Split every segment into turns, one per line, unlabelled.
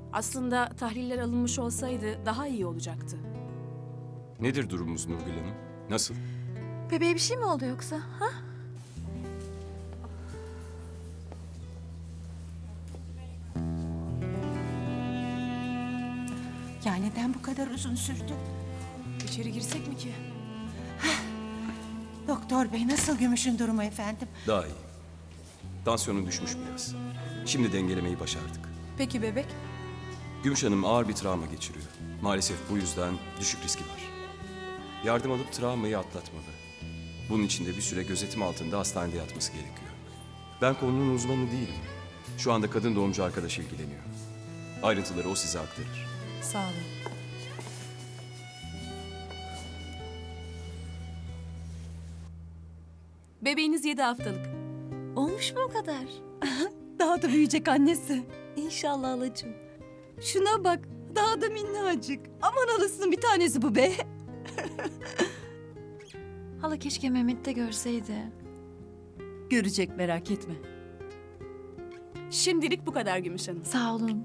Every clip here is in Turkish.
Aslında tahliller alınmış olsaydı daha iyi olacaktı.
Nedir durumumuz Nurgül Hanım? Nasıl?
Bebeğe bir şey mi oldu yoksa? Ha?
Ya neden bu kadar uzun sürdü?
İçeri girsek mi ki?
Doktor bey nasıl Gümüş'ün durumu efendim?
Daha iyi. Tansiyonu düşmüş biraz. Şimdi dengelemeyi başardık.
Peki bebek?
Gümüş Hanım ağır bir travma geçiriyor. Maalesef bu yüzden düşük riski var. Yardım alıp travmayı atlatmalı. Bunun için de bir süre gözetim altında hastanede yatması gerekiyor. Ben konunun uzmanı değilim. Şu anda kadın doğumcu arkadaş ilgileniyor. Ayrıntıları o size aktarır.
Sağ olun.
Bebeğiniz 7 haftalık.
Olmuş mu o kadar?
Daha da büyüyecek annesi.
İnşallah halacığım.
Şuna bak, daha da minnacık. Aman halasının bir tanesi bu be.
Hala keşke Mehmet de görseydi.
Görecek, merak etme.
Şimdilik bu kadar Gümüş Hanım.
Sağ olun.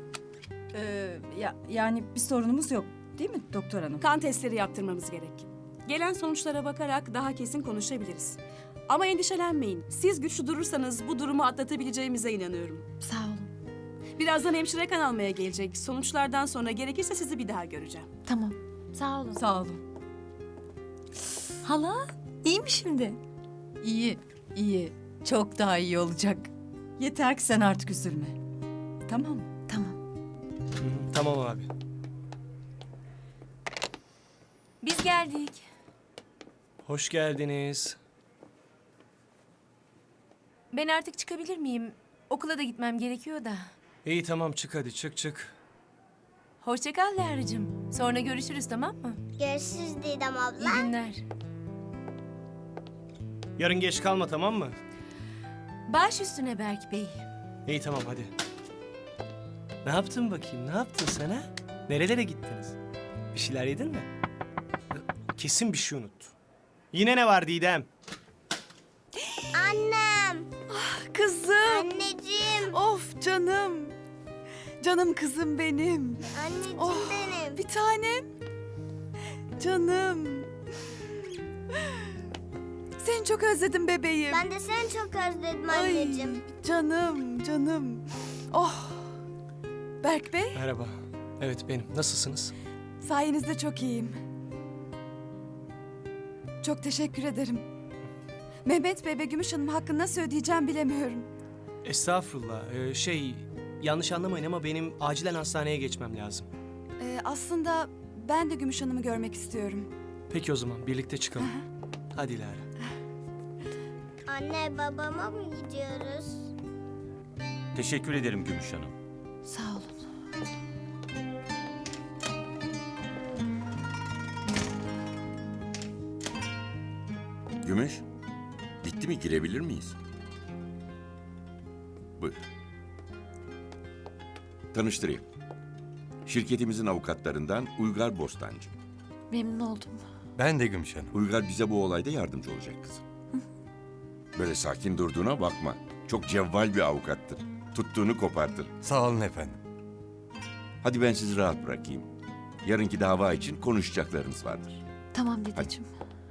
Yani bir sorunumuz yok, değil mi doktor hanım?
Kan testleri yaptırmamız gerek. Gelen sonuçlara bakarak daha kesin konuşabiliriz. Ama endişelenmeyin. Siz güçlü durursanız bu durumu atlatabileceğimize inanıyorum.
Sağ olun.
Birazdan hemşire kan almaya gelecek. Sonuçlardan sonra gerekirse sizi bir daha göreceğim.
Tamam. Sağ olun.
Sağ olun.
Hala iyi mi şimdi?
İyi, iyi. Çok daha iyi olacak. Yeter ki sen artık üzülme. Tamam mı?
Tamam.
Tamam abi.
Biz geldik.
Hoş geldiniz.
Ben artık çıkabilir miyim? Okula da gitmem gerekiyor da.
İyi tamam çık hadi çık.
Hoşça kal Lara'cığım. Sonra görüşürüz, tamam mı?
Görüşürüz Didem abla.
İyi günler.
Yarın geç kalma tamam mı?
Baş üstüne Berk Bey.
İyi tamam hadi. Ne yaptın bakayım? Ne yaptın sen ha? Nerelere gittiniz? Bir şeyler yedin mi? Kesin bir şey unuttu. Yine ne var Didem?
Annem,
Kızım,
anneciğim,
of canım. Canım kızım benim.
anneciğim
Oh,
benim.
bir tanem. Canım. Seni çok özledim bebeğim.
Ben de seni çok özledim anneciğim.
Ay, canım. Oh. Berk Bey,
Merhaba. Evet benim. Nasılsınız?
sayenizde çok iyiyim. Çok teşekkür ederim. Mehmet Bey ve Gümüş Hanım hakkını nasıl ödeyeceğim bilemiyorum.
Estağfurullah. Yanlış anlamayın ama benim acilen hastaneye geçmem lazım.
Aslında ben de Gümüş Hanım'ı görmek istiyorum.
Peki o zaman birlikte çıkalım. Hadi Lara.
Anne babama mı gidiyoruz?
Teşekkür ederim Gümüş Hanım.
Sağ olun.
Gümüş, bitti mi, girebilir miyiz? Buyur. Tanıştırayım. Şirketimizin avukatlarından Uygar Bostancı.
Memnun oldum.
Ben de Gümüş Hanım.
Uygar bize bu olayda yardımcı olacak kızım. Böyle sakin durduğuna bakma. Çok cevval bir avukattır. Tuttuğunu kopartır.
Sağ olun efendim.
Hadi ben sizi rahat bırakayım. Yarınki dava için konuşacaklarınız vardır.
Tamam dedeciğim.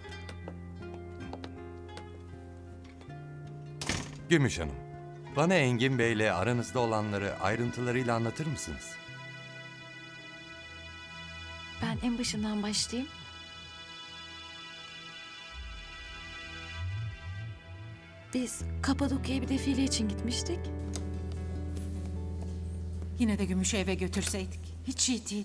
Gümüş Hanım, bana Engin Bey'le aranızda olanları ayrıntılarıyla anlatır mısınız?
Ben en başından başlayayım. Biz Kapadokya'ya bir defile için gitmiştik.
Yine de Gümüş'ü eve götürseydik. Hiç iyi değil.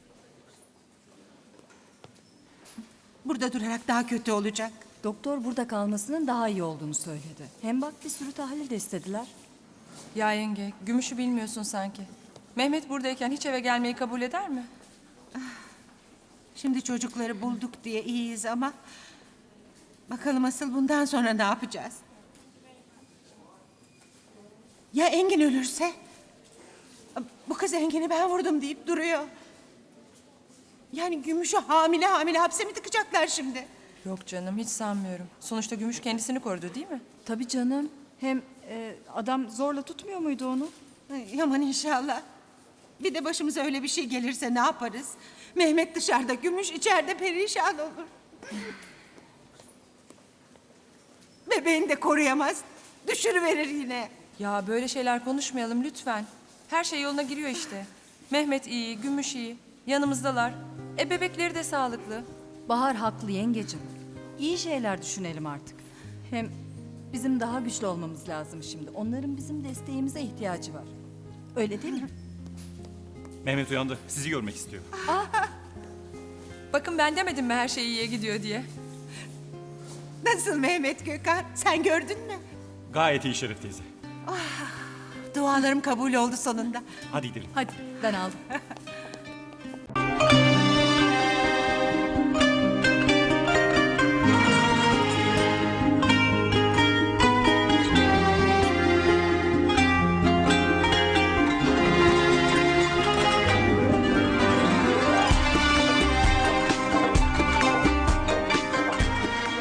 Burada durarak daha kötü olacak.
Doktor burada kalmasının daha iyi olduğunu söyledi. Hem bak bir sürü tahlil de istediler.
Ya yenge, Gümüş'ü bilmiyorsun sanki. Mehmet buradayken hiç eve gelmeyi kabul eder mi?
Şimdi çocukları bulduk diye iyiyiz ama... bakalım asıl bundan sonra ne yapacağız? Ya Engin ölürse? Bu kız Engin'i ben vurdum deyip duruyor. Yani Gümüş'ü hamile hapse mi tıkacaklar şimdi?
Yok canım, hiç sanmıyorum. Sonuçta Gümüş kendisini korudu değil mi?
Tabii canım. Hem adam zorla tutmuyor muydu onu?
Ay, aman inşallah. Bir de başımıza öyle bir şey gelirse ne yaparız? Mehmet dışarıda, Gümüş içeride perişan olur. Bebeğini de koruyamaz. Düşürüverir yine.
Ya böyle şeyler konuşmayalım lütfen. Her şey yoluna giriyor işte. Mehmet iyi, Gümüş iyi. Yanımızdalar. Bebekleri de sağlıklı.
Bahar haklı yengecim. İyi şeyler düşünelim artık. Hem bizim daha güçlü olmamız lazım şimdi. Onların bizim desteğimize ihtiyacı var. Öyle değil mi?
Mehmet uyandı. Sizi görmek istiyor.
Bakın ben demedim mi her şey iyiye gidiyor diye.
Nasıl Mehmet Gökhan? Sen gördün mü?
Gayet iyi Şeref teyze.
Dualarım kabul oldu sonunda.
Hadi gidelim.
Hadi ben aldım.